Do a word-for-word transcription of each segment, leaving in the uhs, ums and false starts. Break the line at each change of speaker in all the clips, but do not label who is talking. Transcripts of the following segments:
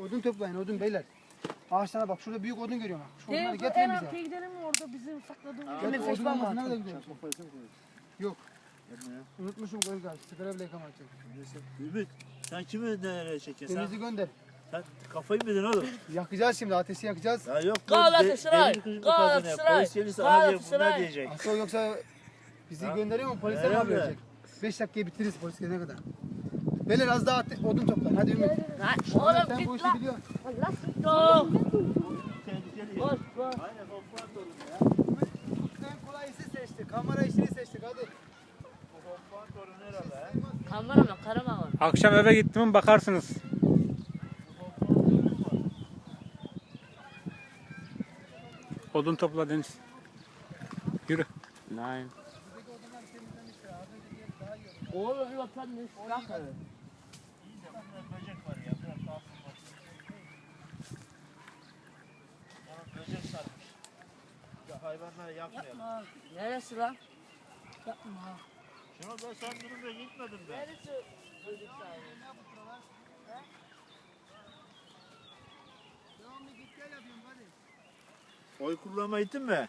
odun toplayın, odun beyler. Ağaçlara bak, şurada büyük odun görüyorum. Şu odunları
Değil,
getirin
en
bize.
arkaya gidelim mi orada bizim sakladığımız
Gel,
nefes
odun
var
olmasa
mı?
nerede gidelim? Yok.
Yapma ya.
Unutmuşum koyun sigara bile yıkamayacak.
Neyse. Ümit, sen kimi nereye çekiyorsun?
Denizi
Sen,
gönder.
sen kafayı mı yedin oğlum?
Yakacağız şimdi, ateşi yakacağız.
Ya yok.
Galatasaray,
de- devir kızı
Galatasaray,
kazanıyor. Polis gelirse hadi bunlar
Galatasaray.
diyecek.
Asıl yoksa bizi
Ha?
gönderiyor mu? Polisler mi
Nerede?
haber verecek? beş dakikaya bitiririz polis gelene kadar. Beyler az daha ate- odun toplayın. Hadi Ümit.
Lan
Oğlum,
oğlum
sen bu
git
işi
lan.
biliyorsun.
Allah git lan.
Tehlikeli.
Boş boş.
Aynen hoffman torunu ya.
Ümit en kolayısı seçti. Kamera işini seçtik hadi.
Bu hoffman torunu herhalde ha.
Kameraman, karaman.
Akşam eve gittim mi bakarsınız. Odun topla Deniz. Yürü. Nein.
Oğlum bir bakalım ne sıkar.
İyi de bunda böcek var ya. Biraz kalsın bak. Ona böcek sarmış. Ya hayvanları yakmayalım.
Yapma. Neresi lan? Yapma.
Şuna ben sen durumda gitmedin be.
Neresi? Çocuk sahibi.
Devamlı git gel yapıyorum hadi.
Oy kullanma gittin mi?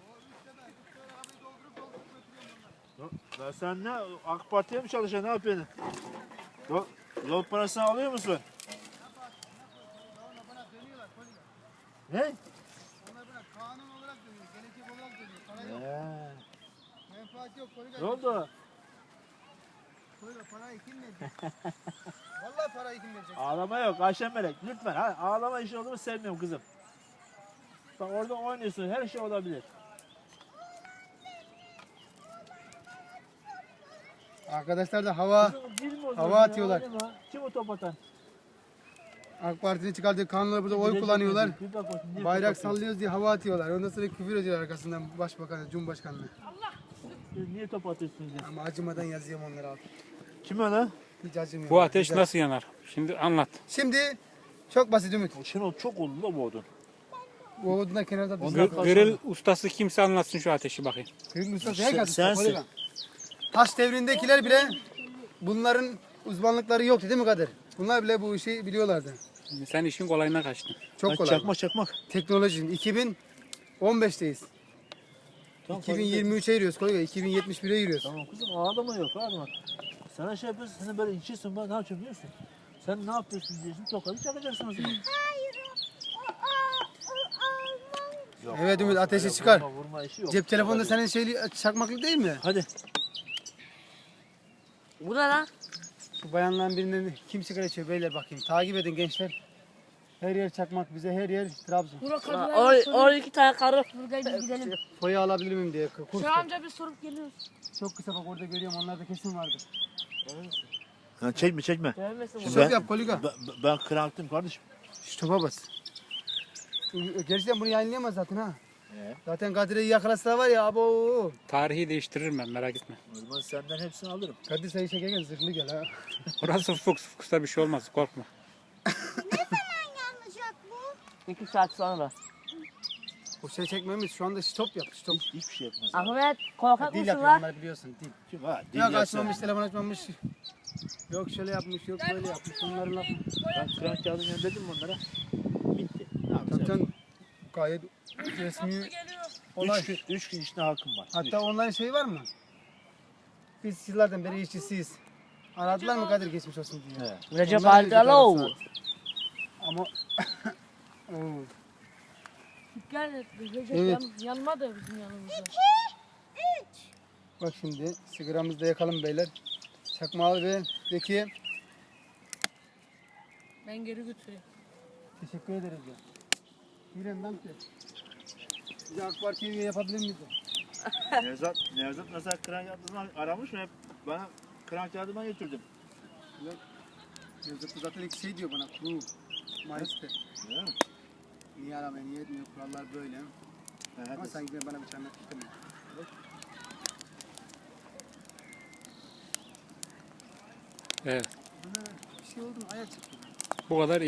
Ya sen ne? AK Parti'ye mi çalışıyorsun? Ne yapıyorsun? Yol, yol parasını alıyor musun? Ne?
Onlar bana kanun olarak dönüyor, gelecek olarak dönüyor. Para yok,
Ee,
menfaat yok. Koyga,
ne oldu?
koyga parayı kim verecek? Vallahi parayı kim verecek?
Ağlama yok Ayşen Melek. Lütfen. Ha, ağlama işi olur mu sevmiyorum kızım. Bak orada oynuyorsun. Her şey olabilir.
Arkadaşlar da hava
Kızım, dil mi o
hava
zaman ya?
atıyorlar.
Oynama. Kim o top atan?
AK Parti'nin çıkardığı kanunları burada oy
Bilecik
kullanıyorlar.
bilecik. Bir bak bakayım, niye
Bayrak
top atıyor?
sallıyoruz diye hava atıyorlar. Ondan sonra küfür ediyor arkasından başbakanı, cumhurbaşkanına.
Siz niye top atıyorsunuz ya?
Ama acımadan yazıyorum onları abi.
Kim o lan?
Hiç acımıyorum.
Bu ateş
Güzel.
nasıl yanar? Şimdi anlat.
Şimdi çok basit Ümit.
O Şenol çok oldu da bu odun.
Bu odundan kenarda biz
Onlar
Gr- grill ustası kimse anlatsın şu ateşi bakayım.
Kırmızı ustası
Sen-
herkes.
sensin.
Taş devrindekiler bile bunların uzmanlıkları yoktu değil mi Kadir? Bunlar bile bu işi biliyorlardı.
Sen işin kolayına kaçtın.
Çok
Ha,
kolay.
Çakmak çakmak.
Teknoloji. iki bin on beşteyiz.
Tamam,
iki bin yirmi üçe giriyoruz koyga. iki bin yetmiş bire giriyoruz.
Tamam kızım ağlama yok ağlama. Sana şey yapıyorsun, sen böyle içiyorsun, ben ne yapacağım biliyor musun? Sen ne yapıyorsun diyorsun, tokadı çakacaksın o zaman. Yok,
Evet Ümit,
olsun,
ateşi
öyle
çıkar.
Vurma, vurma işi yok.
Cep telefonunda
Tokadı.
senin şeyli çakmaklık değil mi?
Hadi.
Bu ne lan?
Şu bayanların birinden kim sigara içiyor beyler bakayım. Takip edin gençler. Her yer çakmak, bize her yer Trabzon.
Burak Or orada iki tane karı. Burada biz gidelim.
Foyu alabilir miyim diye. Kurs.
Şu amca bir sorup geliyoruz.
Çok kısa bak orada görüyorum, onlarda kesin vardır.
Ha, çekme çekme.
Gelmesin
Şu
bu.
Ben-
top yap koliga.
Ben, ben kıraktım kardeşim.
Şu topa bas. Gerçekten bunu yayınlayamaz zaten ha.
Ee?
Zaten Kadir'i yakalasa var ya abo.
Tarihi değiştiririm ben, merak etme.
O zaman senden hepsini alırım.
Kadir sayı çekerken zırhlı gel ha.
Orası fuks fuksta bir şey olmaz, korkma.
İki saat sonra.
O şey çekmemiz şu anda stop yap stop.
Hiç, hiçbir şey yapmaz.
Ahmet korkak
Dil
mısın
yapıyor
lan?
onlar biliyorsun dil.
Kim ha? Dil
Yok
yapsa.
açmamış, telefon açmamış. Yok şöyle yapmış, yok böyle yapmış. Bunların lafı.
Ben kırak kağıdını gönderdim mi onlara? Bitti. Ne
Tabii
yapacağım?
canım gayet resmi olay.
Üç gün, üç gün içinde hakkım var.
Hatta onların şeyi var mı? Biz yıllardan beri işçisiyiz. Aradılar mı Kadir geçmiş olsun diye.
Evet.
Recep
Onlar da
Aldalov.
bir Ama Oo.
Gel Recep
Evet.
yan, yanmadı bizim yanımızda.
Bak şimdi sigaramızı da yakalım beyler. Çakmağı ve Zeki
Ben geri götüreyim.
teşekkür ederiz ya. Miren danke. Bize AK Parti'ye üye yapabilir miyiz?
Nevzat, Nevzat mesela kırak kağıdını aramış mı? Hep bana kırak kağıdımı getirdim.
Yazıklı zaten iki şey diyor bana. Kuru, Mayıs'ta.
Değil mi?
Niye aramaya niye etmiyor? Kurallar böyle.
Ha,
Ama
hadi.
sanki bana bir tane tuttum.
Evet,
Bana bir şey oldu mu? Ayak çıktı.
bu kadar iyi.